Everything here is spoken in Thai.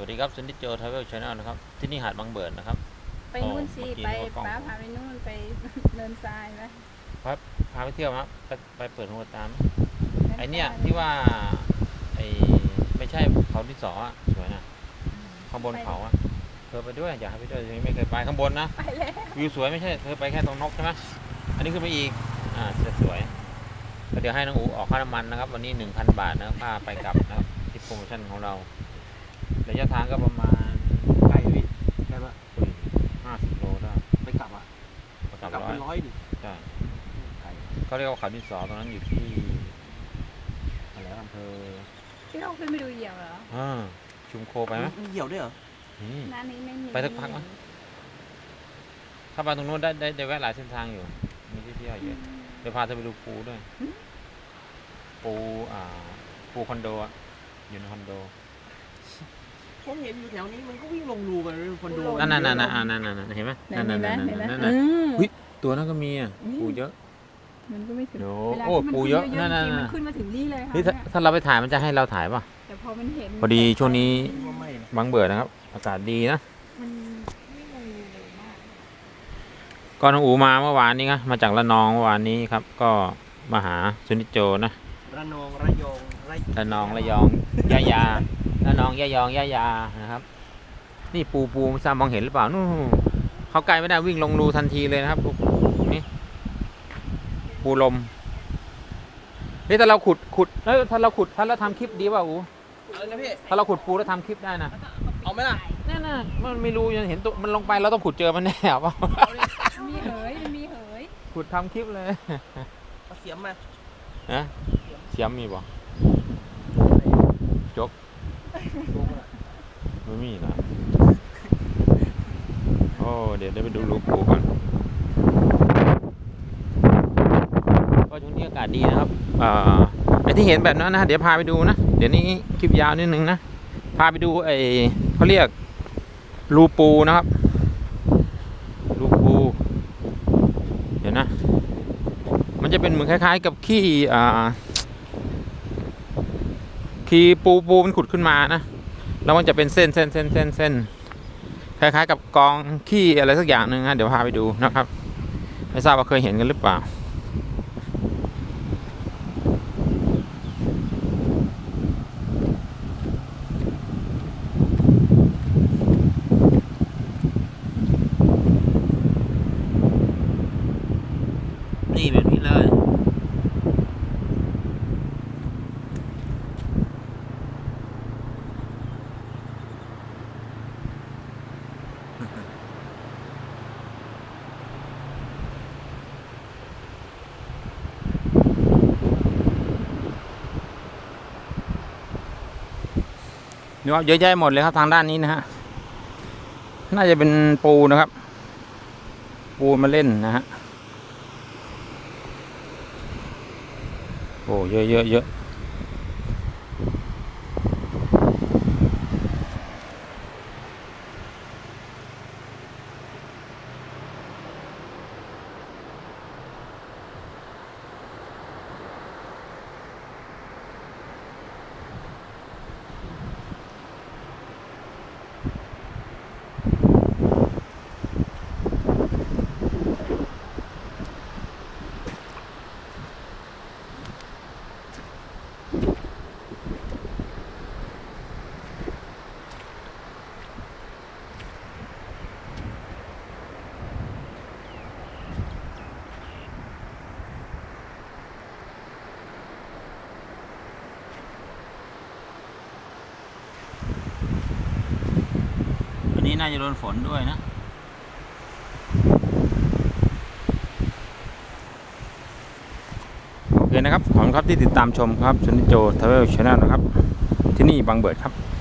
วัสดีครับซันดิโจทราเวลชาแนลนะครับที่นี่หาดบางเบิดนะครับไปนู่นสิไปป้าพาไปนู่นไปเดินทรายไหมพาไปเที่ยวครับไปเปิดหูตามไอเนี้ยที่ว่าไอไม่ใช่เขาที่สอสวยนะข้างบนเขาเธอไปด้วยอยากให้ไปด้วยยังไม่เคยไปข้างบนนะไปแล้ววิวสวยไม่ใช่เธอไปแค่ตรงนกใช่ไหมอันนี้ขึ้นไปอีกจะสวยเดี๋ยวให้น้องอูออกค่าน้ำมันนะครับวันนี้ 1,000 บาทนะครับค่าไปกลับนะครับที่โปรโมชั่นของเราระยะทางก็ประมาณไกลพี่ไกลปะ 50 โลได้ไปกลับอ่ะกลับเป็น100ดิใช่ไกลเขาเรียกว่าเขาดินสอตรงนั้นอยู่ที่อะไรอำเภอที่เราขึ้นไปดูเหยี่ยวเหรอชุมโคไปไหมเหี่ยวด้วยเหรอร้านนี้ไม่มีไปสักพักไหมถ้าไปตรงนู้นได้แวะหลายเส้นทางอยู่มีที่เที่ยวเยอะเดี๋ยวพาเธอไปดูปูด้วยปูคอนโดอยู่ในคอนโดผมเห็นอยู่แถวนี้มันก็วิ่งลงรูกันคอนโดนั่นเห็นไหมนั่นตัวนั้นก็มีปูเยอะมันก็ไม่ถึงโอ้ปูเยอะนั่นมันขึ้นมาถึงนี่เลยค่ะถ้าเราไปถ่ายมันจะให้เราถ่ายป่ะแต่พอมันเห็นพอดีช่วงนี้บางเบื่อนะครับอากาศดีนะก็น้องอูมาเมื่อวานนี้ครับมาจากระนองเมื่อวานนี้ครับก็มาหาซุนิโจนะระนองระยองระนองระยองยาระนองยะยองยานะครับนี่ปูไม่ทราบมองเห็นหรือเปล่านู่นเขาไกลไม่ได้วิ่งลงรูทันทีเลยนะครับนี่ปูลมนี่ถ้าเราขุดแล้วถ้าเราทำคลิปดีป่ะอูอะไรนะพี่ถ้าเราขุดปูแล้วทำคลิปได้นะเอาไหมล่ะนั่นมันไม่รู้ยังเห็นตัวมันลงไปเราต้องขุดเจอมันแน่ป่ะมีเหยขุดทำคลิปเลยเอาเสียมมาเสียมมีป่ะจกไม่มีนะโอ้เดี๋ยวได้ไปดูรูปูก่อนก็ช่วงนี้อากาศดีนะครับไอ้ที่เห็นแบบนั้นนะเดี๋ยวพาไปดูนะเดี๋ยวนี้คลิปยาวนิดนึงนะพาไปดูเขาเรียกรูปูนะครับรูปูเดี๋ยวนะมันจะเป็นเหมือนคล้ายๆกับขี้ปูมันขุดขึ้นมานะแล้วมันจะเป็นเส้นคล้ายๆกับกองขี้อะไรสักอย่างหนึ่งนะเดี๋ยวพาไปดูนะครับไม่ทราบว่าเคยเห็นกันหรือเปล่านี่แบบนี้เลยนี่ว่าเยอะแยะหมดเลยครับทางด้านนี้นะฮะน่าจะเป็นปูนะครับปูมาเล่นนะฮะโอ้เยอะนี้น่าจะโดนฝนด้วยนะโอเคนะครับขอบคุณครับที่ติดตามชมครับซันดิโจทราเวลชาแนลนะครับที่นี่บางเบิดครับ